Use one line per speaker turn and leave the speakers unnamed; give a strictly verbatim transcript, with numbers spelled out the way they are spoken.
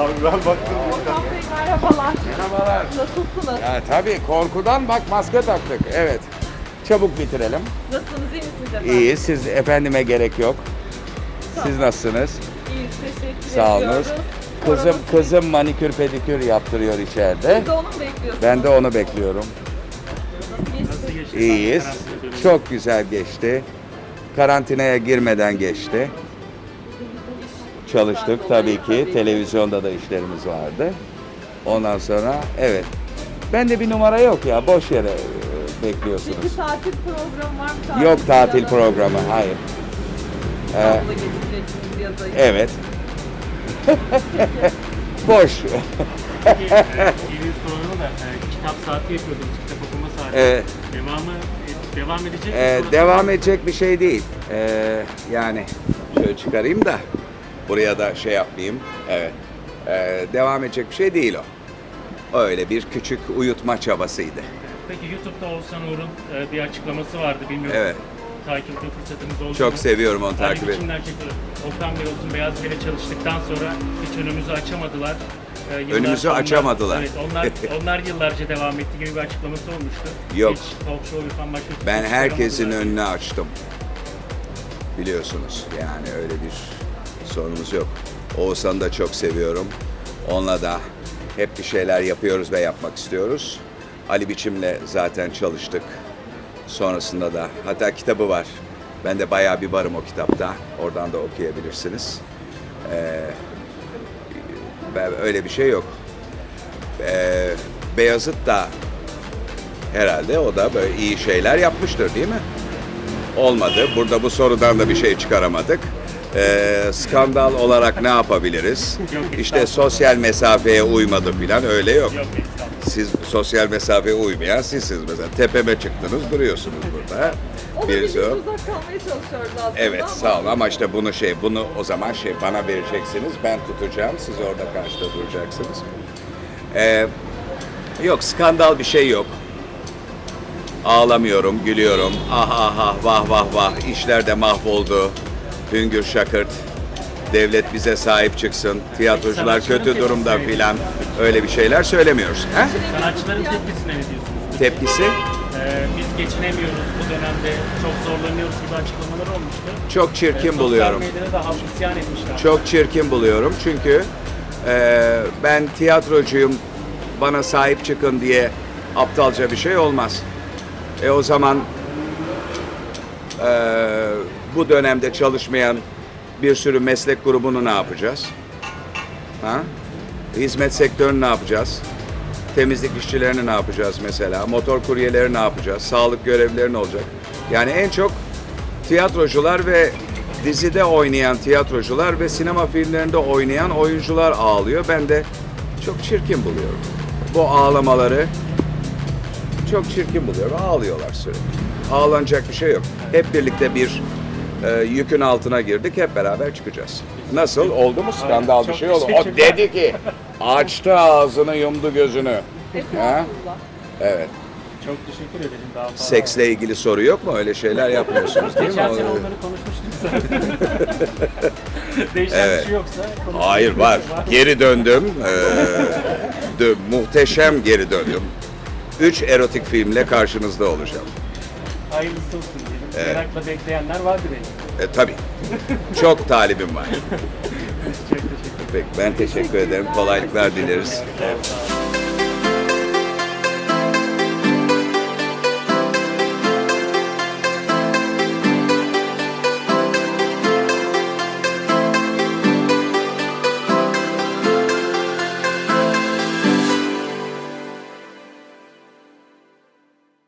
abi ben baktım.
Orhan Bey merhabalar.
Merhabalar.
Nasılsınız?
Ya tabii korkudan bak maske taktık. Evet. Çabuk bitirelim.
Nasılsınız? İyi misiniz efendim?
İyi. Siz efendime gerek yok. Siz nasılsınız?
İyiyiz. Teşekkür
Sağ
ediyoruz.
olunuz. Kızım
Koronası-
kızım manikür pedikür yaptırıyor içeride.
Siz de onu mu bekliyorsunuz?
Ben de onu bekliyorum.
Nasıl geçti?
İyiyiz. Çok güzel geçti. Karantinaya girmeden geçti. Çalıştık tabii ki. Televizyonda da işlerimiz vardı. Ondan sonra evet. Bende bir numara yok ya. Boş yere e, bekliyorsunuz.
Peki tatil programı var mı? Tatil
Yok tatil
planı?
programı. Hayır. Ee,
İstanbul'a geçeceksiniz yazayı.
evet. Boş.
Peki, e, yeni sorunu da e, kitap saati yapıyordunuz, kitap okuma saati.
Evet.
Devamı e, devam edecek mi?
Ee,
Sonra-
devam edecek bir şey değil. Ee, yani şöyle çıkarayım da buraya da şey yapmayayım. Evet. Ee, devam edecek bir şey değil o. Öyle bir küçük uyutma çabasıydı.
Peki YouTube'da Oğuzhan Uğur'un e, bir açıklaması vardı, bilmiyorum.
Evet.
Takip etme fırsatınız oldu
Çok
mu?
seviyorum onu
Ali
takip etmeyi.
biçimler çekiyor. Okan Bey olsun, Beyaz Bey'le çalıştıktan sonra hiç önümüzü açamadılar. Ee, yıllar-
Önümüzü
onlar-
açamadılar.
Evet, onlar, onlar yıllarca devam etti gibi bir açıklaması olmuştu.
Yok.
Hiç talk show yapan başka kimse
Ben herkesin
çıkaramadılar.
önünü açtım. Biliyorsunuz yani öyle bir sorunumuz yok. Oğuzhan'ı da çok seviyorum. Onunla da hep bir şeyler yapıyoruz ve yapmak istiyoruz. Ali Biçim'le zaten çalıştık. Sonrasında da hatta kitabı var. Ben de bayağı bir varım o kitapta. Oradan da okuyabilirsiniz. Ee, ben- öyle bir şey yok. Ee, Beyazıt da herhalde o da böyle iyi şeyler yapmıştır değil mi? Olmadı. Burada bu sorudan da bir şey çıkaramadık. Ee, skandal olarak ne yapabiliriz?
Yok,
İşte sosyal mesafeye uymadı filan öyle yok.
Yok, estağfurullah.
Siz sosyal mesafeye uymayan sizsiniz mesela. Tepeme çıktınız duruyorsunuz burada.
O da
Birisi
biz
o.
uzak kalmaya çalışıyoruz aslında
Evet
ama-
sağ olun ama işte bunu şey bunu o zaman şey bana vereceksiniz. Ben tutacağım. Siz orada karşıda duracaksınız. Ee, yok skandal bir şey yok. Ağlamıyorum, gülüyorum. Ah ah ah vah vah vah işler de mahvoldu. Hüngür şakırt. Devlet bize sahip çıksın. Tiyatrocular
Sanatçıların
kötü durumda
tepkisi neydi?
filan. Öyle bir şeyler söylemiyoruz. He?
Sanatçıların tepkisine ne diyorsunuz?
Tepkisi
Ee, biz geçinemiyoruz bu dönemde, çok zorlanıyoruz gibi açıklamalar olmuştu.
çok
Ee,
çirkin buluyorum.
Sosyal medyada da halk isyan etmişler.
Çok çirkin buluyorum çünkü e, ben tiyatrocuyum, bana sahip çıkın diye aptalca bir şey olmaz. E o zaman e, bu dönemde çalışmayan bir sürü meslek grubunu ne yapacağız? Ha? Hizmet sektörünü ne yapacağız? Temizlik işçilerini ne yapacağız mesela? Motor kuryeleri ne yapacağız? Sağlık görevlileri ne olacak? Yani en çok tiyatrocular ve dizide oynayan tiyatrocular ve sinema filmlerinde oynayan oyuncular ağlıyor. Ben de çok çirkin buluyorum. Bu ağlamaları çok çirkin buluyorum. Ağlıyorlar sürekli. Ağlanacak bir şey yok. Hep birlikte bir e, yükün altına girdik. Hep beraber çıkacağız. Nasıl? Oldu mu? Skandal bir
Çok
şey oldu. O
teşekkürler.
dedi ki açtı ağzını yumdu gözünü. Ha?
Estağfurullah.
Evet.
Çok teşekkür ederim. Daha fazla.
Seksle ilgili soru yok mu? Öyle şeyler yapmıyorsunuz değil mi?
Geçen sene
O-
onları konuşmuştuk zaten. Değişen
Evet.
bir şey yoksa konuşuruz.
Hayır var. Geri döndüm. Ee, dö- muhteşem geri döndüm. Üç erotik filmle karşınızda olacağım.
Hayırlısı olsun diyelim.
Evet.
Merakla bekleyenler vardır belki.
E, tabii. Çok talibim var.
Çok teşekkür ederim.
Peki, ben teşekkür ederim. Kolaylıklar dileriz.
Evet, sağ olun.